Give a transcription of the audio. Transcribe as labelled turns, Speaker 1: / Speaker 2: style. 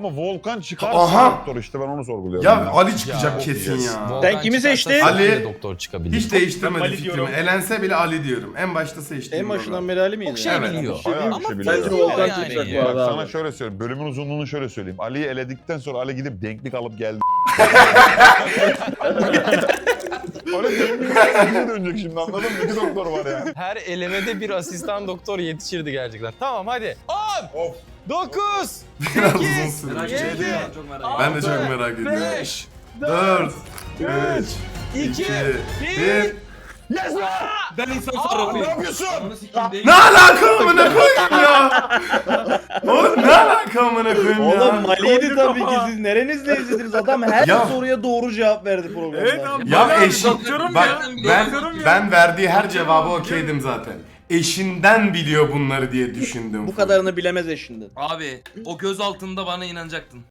Speaker 1: Ama Volkan çıkarsa
Speaker 2: Aha!
Speaker 1: doktor işte ben onu sorguluyorum.
Speaker 2: Ya Ali çıkacak kesin ya.
Speaker 3: Sen kimi seçtin?
Speaker 2: Ali-
Speaker 4: doktor çıkabilir.
Speaker 2: Hiç değiştirmedi
Speaker 5: Ali
Speaker 2: fikrimi.
Speaker 5: diyorum.
Speaker 2: Elense bile Ali diyorum. En başta seçtiğim
Speaker 3: En başından
Speaker 2: program.
Speaker 3: beri Ali miydi?
Speaker 4: Çok şey
Speaker 2: Evet.
Speaker 4: biliyor.
Speaker 1: Bayağı bir
Speaker 4: Ama
Speaker 1: şey biliyor.
Speaker 3: Bence
Speaker 4: biliyor
Speaker 3: Volkan
Speaker 4: yani.
Speaker 3: çıkacak bu
Speaker 1: Bak
Speaker 3: arada
Speaker 1: sana
Speaker 3: abi.
Speaker 1: şöyle söyleyeyim. Bölümün uzunluğunu şöyle söyleyeyim. Ali'yi eledikten sonra Ali gidip denklik alıp geldi. Ali denklik dönecek şimdi anladın mı? İki doktor var ya.
Speaker 4: Her elemede bir asistan doktor yetişirdi gerçekten. Tamam hadi. 10,
Speaker 1: Of.
Speaker 4: 9,
Speaker 2: Biraz uzun
Speaker 4: 8,
Speaker 2: sürdü.
Speaker 5: Merak
Speaker 4: Yedi.
Speaker 5: ediyorum. Çok merak ediyorum.
Speaker 2: Ben de çok merak ediyorum.
Speaker 4: 5,
Speaker 2: 4, 3,
Speaker 4: 2,
Speaker 2: 1.
Speaker 5: Ben insan
Speaker 1: Ne
Speaker 5: sarrafıyım.
Speaker 1: yapıyorsun?
Speaker 5: Ananı sikeyim değil.
Speaker 2: Ne alaka amına koyayım ya? Oğlum ne alaka amına koyayım ya?
Speaker 3: Oğlum Mali'ydi tabii ki siz nerenizle izlediniz adam her
Speaker 2: Ya-
Speaker 3: soruya doğru cevap verdi programda.
Speaker 5: Evet abi.
Speaker 2: Ya
Speaker 5: Bayağı
Speaker 2: eşin
Speaker 5: doktorum
Speaker 2: bak
Speaker 5: ya. Doktorum ya.
Speaker 2: ben verdiği her cevabı okeydim zaten. Eşinden biliyor bunları diye düşündüm.
Speaker 3: Bu kadarını bilemez eşinden.
Speaker 5: Abi o göz altında bana inanacaktın.